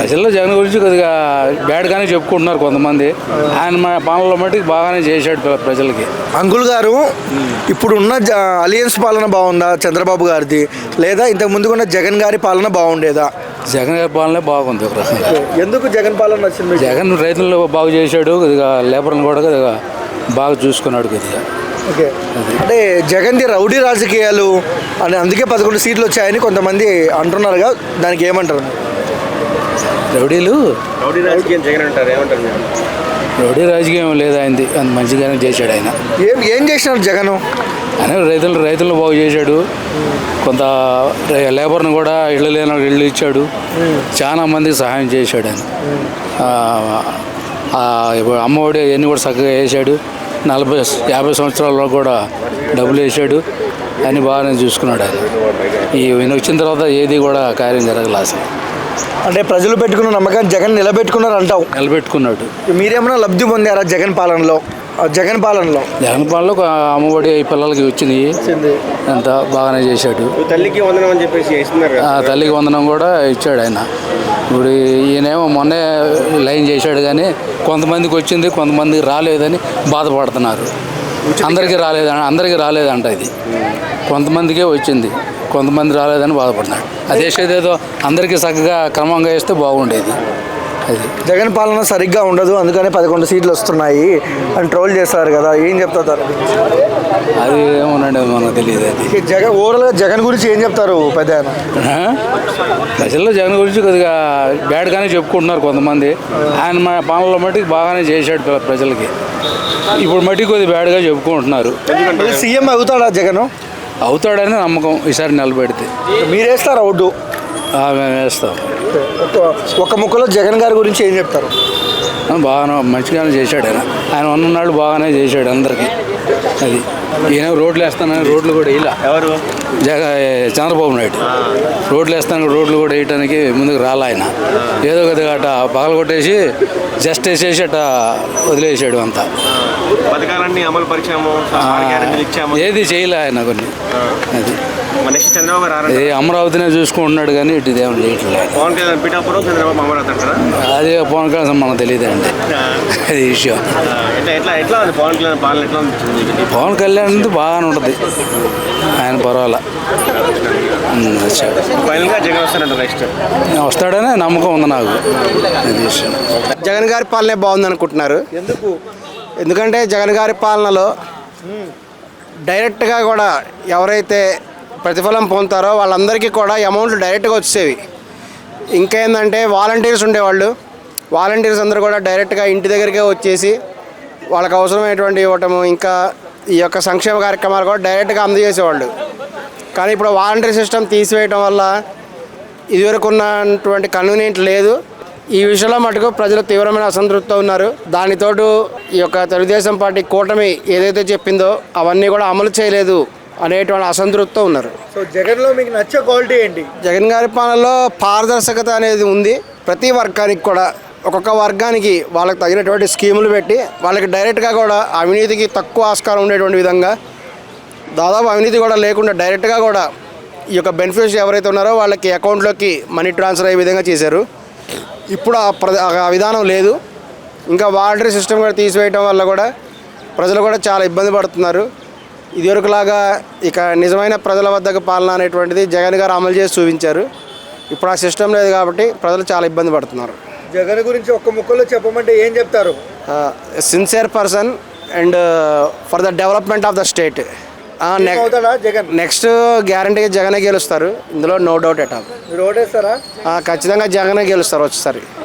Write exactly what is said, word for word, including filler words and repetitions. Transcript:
ప్రజల్లో జగన్ గురించి కొద్దిగా బ్యాడ్గానే చెప్పుకుంటున్నారు కొంతమంది. ఆయన మా పాలనలో మటుకు బాగానే చేశాడు ప్రజలకి. అంకుల్ గారు ఇప్పుడున్న అలియన్స్ పాలన బాగుందా చంద్రబాబు గారిది, లేదా ఇంతకు ముందుకున్న జగన్ గారి పాలన బాగుండేదా? జగన్ గారి పాలనే బాగుంది ఒక రకంగా. ఎందుకు జగన్ పాలన నచ్చింది? జగన్ రైతులను బాగు చేశాడు, కొద్దిగా లేబర్లను కూడా కొద్దిగా బాగా చూసుకున్నాడు కొద్దిగా. ఓకే, అంటే జగన్ది రౌడీ రాజకీయాలు అని అందుకే పదకొండు సీట్లు వచ్చాయని కొంతమంది అంటున్నారుగా, దానికి ఏమంటారు? రౌడీలు రౌడీ రాజకీయం జగన్ అంటారు, ఏమంటారు మీరు? రౌడీ రాజకీయం లేదు ఆయనది, అంత మంచిగానే చేశాడు ఆయన. ఏం ఏం చేసినాడు జగన్? ఆయన రైతులు రైతులను బాగు చేశాడు, కొంత లేబర్ను కూడా ఇళ్ళు లేని ఇళ్ళు ఇచ్చాడు, చాలా మందికి సహాయం చేశాడు ఆయన. అమ్మఒడి అన్నీ కూడా చక్కగా వేసాడు, నలభై యాభై సంవత్సరాల్లో కూడా డబ్బులు వేసాడు, అని బాగానే చూసుకున్నాడు ఆయన. ఈయన వచ్చిన తర్వాత ఏది కూడా కార్యం జరగలేదు అసలు. అంటే ప్రజలు పెట్టుకున్న నమ్మకాన్ని జగన్ నిలబెట్టుకున్నారు అంటావు? నిలబెట్టుకున్నాడు. మీరేమైనా లబ్ధి పొందారా జగన్ పాలనలో? జగన్ పాలనలో జగన్ పాలనలో అమ్మఒడి పిల్లలకి వచ్చింది, అంత బాగానే చేశాడు. తల్లికి వందనం అని చెప్పేసి తల్లికి వందనం కూడా ఇచ్చాడు ఆయన. ఇప్పుడు ఈయనేమో మొన్నే లైన్ చేశాడు, కానీ కొంతమందికి వచ్చింది కొంతమందికి రాలేదని బాధపడుతున్నారు. అందరికీ రాలేదంట అందరికీ రాలేదంట ఇది, కొంతమందికే వచ్చింది, కొంతమంది రాలేదని బాధపడుతున్నాడు. అదే ఏదో అందరికీ చక్కగా క్రమంగా వేస్తే బాగుండేది. అది జగన్ పాలన సరిగ్గా ఉండదు, అందుకనే పదకొండు సీట్లు వస్తున్నాయి అని ట్రోల్ చేస్తారు కదా, ఏం చెప్తారు? అది ఏమోనండి, మనకు తెలియదు. అది జగన్ ఓవరాల్గా జగన్ గురించి ఏం చెప్తారు పెద్ద? ప్రజల్లో జగన్ గురించి కొద్దిగా బ్యాడ్గానే చెప్పుకుంటున్నారు కొంతమంది. ఆయన మా పాలనలో మటుకు బాగానే చేశాడు ప్రజలకి. ఇప్పుడు మటుకు కొద్దిగా బ్యాడ్గా చెప్పుకుంటున్నారు. సీఎం అవుతాడా జగన్? అవుతాడని నమ్మకం ఈసారి నిలబెడితే. మీరు వేస్తారా ఓటు? మేము వేస్తాం. ఒక ముక్కలో జగన్ గారి గురించి ఏం చెప్తారు? బాగానే మంచిగానే చేశాడు ఆయన. ఆయన ఉన్ననాడు బాగానే చేశాడు అందరికీ. అది ఈయన రోడ్లు వేస్తానని రోడ్లు కూడా ఇలా ఎవరు జగ చంద్రబాబు నాయుడు రోడ్లు వేస్తాను రోడ్లు కూడా వేయటానికి ముందుకు రాలే ఆయన. ఏదో కొద్దిగా అట పగలు కొట్టేసి జస్ట్ వేసేసి అట వదిలేసాడు అంతా. పథకాలన్నీ అమలు పరిచాము, ఏది చేయలే ఆయన కొన్ని. అది చంద్రబాబు ఇది అమరావతినే చూసుకుంటున్నాడు, కానీ ఇటు ఇదేమో చేయట్లేదు. పవన్ కళ్యాణ్ పిఠాపురం, చంద్రబాబు అమరావతి అంటారా? అదే పవన్ కళ్యాణ్ మనకు తెలియదు అండి, అది విషయం. ఎట్లా ఎట్లా ఉంది పవన్ కళ్యాణ్ పాలన? ఎట్లా ఉంది? పవన్ కళ్యాణ్ బాగానే ఉంటుంది, ఆయన పర్వాలా. ఫైనల్గా జగన్ వస్తాడంట, నెక్స్ట్ వస్తాడనే నమ్మకం ఉంది నాకు. అది విషయం. జగన్ గారి పాలనే బాగుంది అనుకుంటున్నారు. ఎందుకు? ఎందుకంటే జగన్ గారి పాలనలో డైరెక్ట్గా కూడా ఎవరైతే ప్రతిఫలం పొందుతారో వాళ్ళందరికీ కూడా అమౌంట్లు డైరెక్ట్గా వచ్చేవి. ఇంకేందంటే వాలంటీర్స్ ఉండేవాళ్ళు, వాలంటీర్స్ అందరూ కూడా డైరెక్ట్గా ఇంటి దగ్గరికే వచ్చేసి వాళ్ళకి అవసరమైనటువంటి ఇవ్వటము, ఇంకా ఈ యొక్క సంక్షేమ కార్యక్రమాలు కూడా డైరెక్ట్గా అందజేసేవాళ్ళు. కానీ ఇప్పుడు వాలంటీర్ సిస్టమ్ తీసివేయటం వల్ల ఇదివరకు ఉన్నటువంటి కన్వీనియంట్ లేదు. ఈ విషయంలో మటుకు ప్రజలు తీవ్రమైన అసంతృప్తితో ఉన్నారు. దానితోడు ఈ యొక్క తెలుగుదేశం పార్టీ కూటమి ఏదైతే చెప్పిందో అవన్నీ కూడా అమలు చేయలేదు అనేటువంటి అసంతృప్తితో ఉన్నారు. సో జగన్లో మీకు నచ్చే క్వాలిటీ ఏంటి? జగన్ గారి పాలనలో పారదర్శకత అనేది ఉంది. ప్రతి వర్గానికి కూడా ఒక్కొక్క వర్గానికి వాళ్ళకి తగినటువంటి స్కీములు పెట్టి వాళ్ళకి డైరెక్ట్గా కూడా అవినీతికి తక్కువ ఆస్కారం ఉండేటువంటి విధంగా, దాదాపు అవినీతి కూడా లేకుండా డైరెక్ట్గా కూడా ఈ యొక్క బెనిఫిట్స్ ఎవరైతే ఉన్నారో వాళ్ళకి అకౌంట్లోకి మనీ ట్రాన్స్ఫర్ అయ్యే విధంగా చేశారు. ఇప్పుడు ఆ ప్ర ఆ విధానం లేదు. ఇంకా వాలంటరీ సిస్టమ్ కూడా తీసివేయటం వల్ల కూడా ప్రజలు కూడా చాలా ఇబ్బంది పడుతున్నారు. ఇదివరకులాగా ఇక నిజమైన ప్రజల వద్దకు పాలన అనేటువంటిది జగన్ గారు అమలు చేసి చూపించారు. ఇప్పుడు ఆ సిస్టమ్ లేదు కాబట్టి ప్రజలు చాలా ఇబ్బంది పడుతున్నారు. జగన్ గురించి ఒక్క ముక్కలో చెప్పమంటే ఏం చెప్తారు? Sincere person and for the development of the state. Next గ్యారంటీగా జగనే గెలుస్తారు, ఇందులో నో డౌట్ ఎట్ ఆల్. మీరు ఓటేస్తారా? ఖచ్చితంగా జగనే గెలుస్తారు వచ్చేసరి.